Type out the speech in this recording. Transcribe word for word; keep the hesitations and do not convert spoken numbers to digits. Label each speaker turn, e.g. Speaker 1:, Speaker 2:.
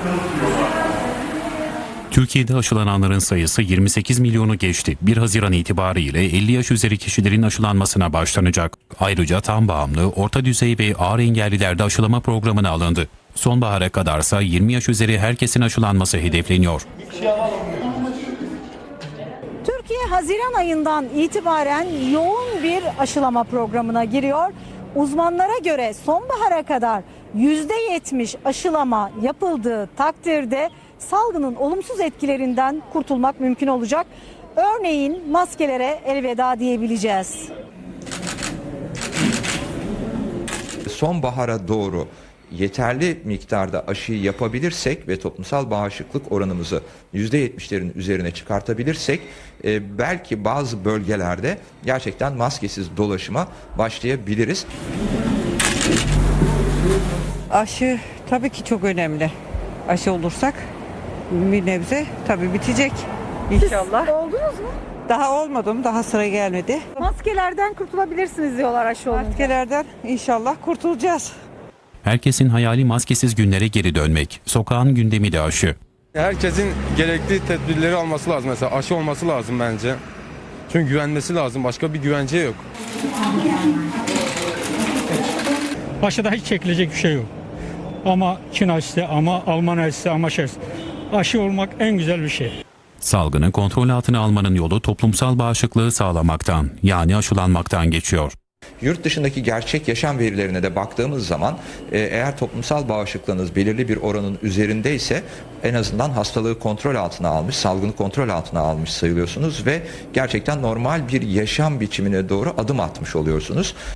Speaker 1: Türkiye'de aşılananların sayısı yirmi sekiz milyonu geçti. bir Haziran itibariyle elli yaş üzeri kişilerin aşılanmasına başlanacak. Ayrıca tam bağımlı, orta düzey ve ağır engellilerde aşılama programına alındı. Sonbahara kadarsa yirmi yaş üzeri herkesin aşılanması hedefleniyor.
Speaker 2: Türkiye Haziran ayından itibaren yoğun bir aşılama programına giriyor. Uzmanlara göre sonbahara kadar yüzde yetmiş aşılama yapıldığı takdirde salgının olumsuz etkilerinden kurtulmak mümkün olacak. Örneğin maskelere elveda diyebileceğiz.
Speaker 3: Sonbahara doğru yeterli miktarda aşıyı yapabilirsek ve toplumsal bağışıklık oranımızı yüzde yetmişlerin üzerine çıkartabilirsek e, belki bazı bölgelerde gerçekten maskesiz dolaşıma başlayabiliriz.
Speaker 4: Aşı tabii ki çok önemli. Aşı olursak bir nebze tabii bitecek inşallah.
Speaker 2: Oldunuz mu?
Speaker 4: Daha olmadım, daha sıra gelmedi.
Speaker 2: Maskelerden kurtulabilirsiniz diyorlar aşı olunca.
Speaker 4: Maskelerden inşallah kurtulacağız.
Speaker 1: Herkesin hayali maskesiz günlere geri dönmek. Sokağın gündemi de aşı.
Speaker 5: Herkesin gerekli tedbirleri alması lazım. Mesela aşı olması lazım bence. Çünkü güvenmesi lazım. Başka bir güvence yok.
Speaker 6: Aşıda hiç çekilecek bir şey yok. Ama Çin aşısı, ama Alman aşısı, ama şey. Aşı olmak en güzel bir şey.
Speaker 1: Salgını kontrol altına almanın yolu toplumsal bağışıklığı sağlamaktan, yani aşılanmaktan geçiyor.
Speaker 3: Yurt dışındaki gerçek yaşam verilerine de baktığımız zaman e, eğer toplumsal bağışıklığınız belirli bir oranın üzerindeyse en azından hastalığı kontrol altına almış, salgını kontrol altına almış sayılıyorsunuz ve gerçekten normal bir yaşam biçimine doğru adım atmış oluyorsunuz.